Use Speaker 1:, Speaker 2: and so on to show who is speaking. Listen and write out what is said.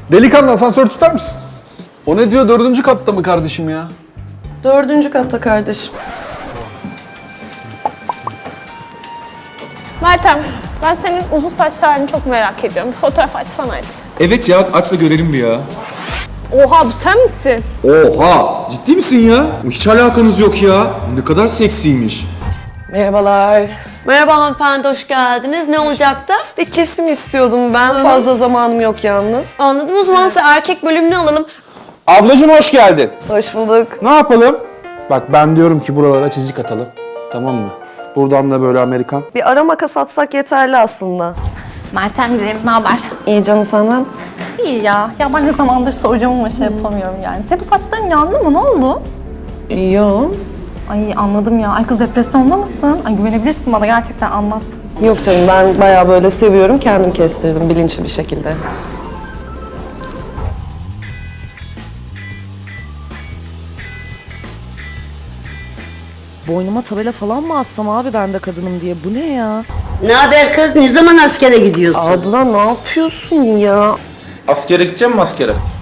Speaker 1: Delikanlı asansör tutar mısın? O ne diyor, 4. katta mı kardeşim ya?
Speaker 2: 4. katta kardeşim.
Speaker 3: Meltem, ben senin uzun saçlı halini çok merak ediyorum. Bir fotoğraf açsana hadi.
Speaker 4: Evet ya, aç da görelim bir ya.
Speaker 3: Oha, bu sen misin?
Speaker 4: Oha! Ciddi misin ya? Hiç alakanız yok ya. Ne kadar seksiymiş.
Speaker 2: Merhabalar.
Speaker 5: Merhaba hanımefendi, hoş geldiniz. Ne olacaktı?
Speaker 2: Bir kesim istiyordum ben. Fazla zamanım yok yalnız.
Speaker 5: Anladım, o zaman size erkek bölümünü alalım.
Speaker 6: Ablacım hoş geldin.
Speaker 2: Hoş bulduk.
Speaker 6: Ne yapalım? Bak ben diyorum ki buralara çizik atalım. Tamam mı? Buradan da böyle Amerikan.
Speaker 2: Bir ara makas atsak yeterli aslında.
Speaker 7: Meltemciğim, ne haber?
Speaker 2: İyi canım senden.
Speaker 7: İyi ya. Ya ben ne zamandır soracağım ama şey yapamıyorum yani. Senin bu saçların yandı mı? Ne oldu?
Speaker 2: Yok.
Speaker 7: Ay anladım ya. Ay kız depresyonda mısın? Ay güvenebilirsin bana, gerçekten anlat.
Speaker 2: Yok canım, ben bayağı böyle seviyorum. Kendim kestirdim bilinçli bir şekilde. Boynuma tabela falan mı assam abi ben de kadınım diye? Bu ne ya?
Speaker 8: Ne haber kız? Ne zaman askere gidiyorsun?
Speaker 2: Abla ne yapıyorsun ya?
Speaker 6: Askere gideceğim mi askere?